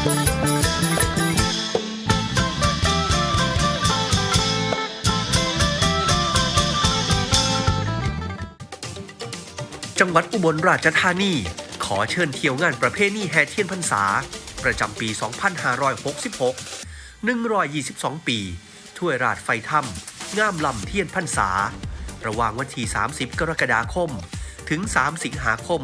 จังหวัดอุบลราชธานีขอเชิญเที่ยวงานประเพณีแห่เทียนพรรษาประจำปี 2566 122 ปีถ้วยราชไฟถ้ำงามลำเทียนพรรษาระหว่างวันที่ 30 กรกฎาคม ถึง 3 สิงหาคม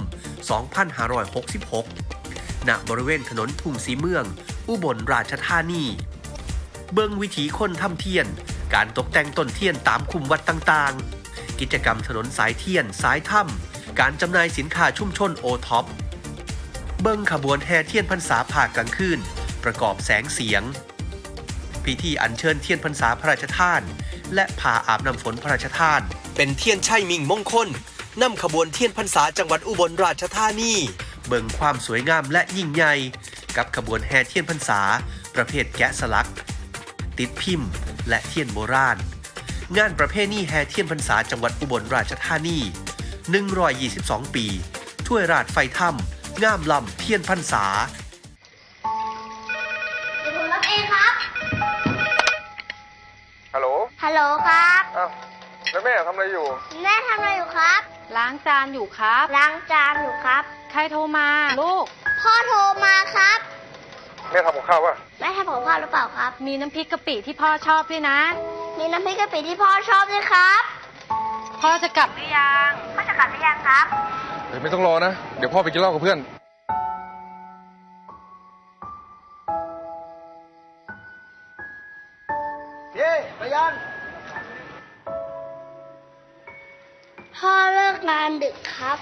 2566 ณ บริเวณถนนทุ่งสีเมือง อุบลราชธานีเบิ่งวิถีคนทำเทียนการตกแต่งต้นเทียนตามคุมวัดต่างๆกิจกรรมถนนสายเทียนสายถ้ำการจำหน่ายสินค้าชุมชนโอท็อปเบิ่งขบวนแห่เทียนพรรษาภาคกลางคืนประกอบแสงเสียงพิธีอัญเชิญเทียนพรรษาพระราชทานและพาอาบน้ำฝนพระราชทานเป็นเทียนชัยมิ่งมงคลนำขบวนเทียนพรรษาจังหวัดอุบลราชธานีเบิ่งความสวยงามและยิ่งใหญ่กับขบวนแห่เทียนพรรษาประเภทแกะสลักติดพิมพ์และเทียนโบราณงานประเพณีแห่เทียนพรรษาจังหวัดอุบลราชธานี122 ปีถ้วยราชไฟถ้ำงามลำเทียนพรรษาเดี๋ยวผมรับเองครับฮัลโหลฮัลโหลครับอ้าวแล้วแม่ทำอะไรอยู่แม่ทำอะไรอยู่ครับล้างจานอยู่ครับล้างจานอยู่ครับใครโทรมาลูกพ่อโทรมาครับแม่ทำกับข้าววะแม่ทำกับข้าวหรือเปล่าครับมีน้ำพริกกะปิที่พ่อชอบด้วยนะมีน้ำพริกกะปิที่พ่อชอบด้วยครับพ่อจะกลับหรือยังพ่อจะกลับหรือยังครับเดี๋ยวไม่ต้องรอนะ เดี๋ยวพ่อไปกินเหล้ากับเพื่อนเย้ไปยังพ่อเลิกงานดึกครับ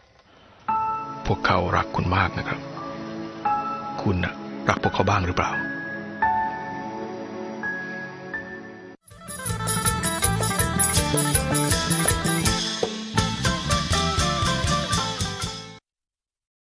พวกเขารักคุณมากนะครับ คุณน่ะรักพวกเขาบ้างหรือเปล่า